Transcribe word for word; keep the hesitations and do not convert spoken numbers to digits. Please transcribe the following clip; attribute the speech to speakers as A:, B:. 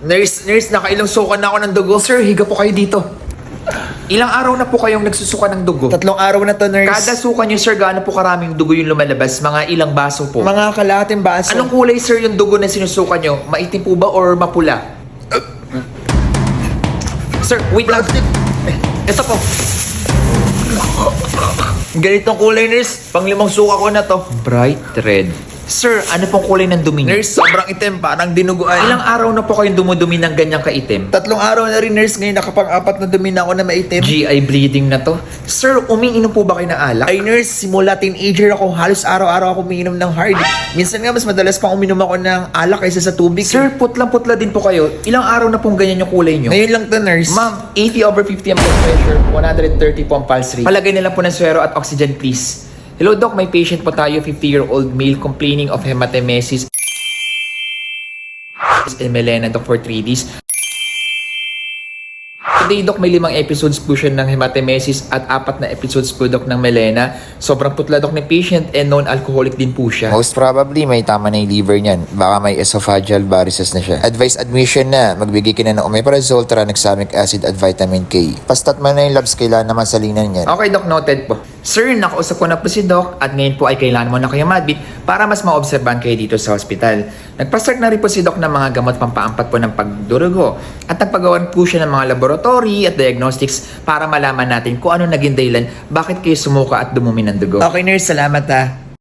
A: Nurse, nurse, nakailang sukan na ako ng dugo. Sir, higa po kayo dito. Ilang araw na po kayong nagsusuka ng dugo?
B: Tatlong araw na to, nurse.
A: Kada suka niyo, sir, gaano po karaming dugo yung lumalabas? Mga ilang baso po?
B: Mga kalahating baso.
A: Anong kulay, sir, yung dugo na sinusuka niyo? Maitim po ba or mapula? Sir, wait lang. Ito po. Ganitong kulay, nurse. Panglimang suka ko na to. Bright red. Sir, ano pong kulay ng dumi niyo?
B: Nurse, sobrang itim, parang dinuguan.
A: Ilang araw na po kayong dumudumi ng ganyang kaitim?
B: Tatlong araw na rin, nurse. Ngayon nakapang-apat na dumi na ako na maitim.
A: G I bleeding na to. Sir, umiinom po ba kayo ng alak?
B: Ay, nurse, simula teenager ako, halos araw-araw ako umiinom ng hard. Minsan nga, mas madalas pang uminom ako ng alak kaysa sa tubig.
A: Sir, putlang-putla din po kayo. Ilang araw na pong ganyan yung kulay nyo?
B: Ngayon lang to, nurse.
A: Ma'am, eighty over fifty ang blood pressure, one hundred thirty po ang pulse rate. Palagay na lang po ng swero at oxygen, please. Hello, Doc. May patient po tayo, fifty-year-old male complaining of hematemesis and melena, Doc, for three days. Today, Doc, may limang episodes po siya ng hematemesis at apat na episodes po, Doc, ng melena. Sobrang putla, Doc, ng patient and non-alcoholic din po siya.
C: Most probably, may tama na yung liver niyan. Baka may esophageal varices na siya. Advice admission na. Magbigay ka na ng omeprazole, tranexamic acid at vitamin K. Pastat man na yung labs, kailangan naman salinan yan.
A: Okay, Doc, noted po. Sir, nakausap ko na po si Doc at ngayon po ay kailangan mo na kayo madbit para mas maobserbahan kayo dito sa hospital. Nagpa-start na rin po si Doc ng mga gamot pampaampat po ng pagdurugo at nagpagawan po siya ng mga laboratory at diagnostics para malaman natin kung ano naging dahilan bakit kayo sumuka at dumumi ng dugo.
B: Okay, nurse, salamat ha.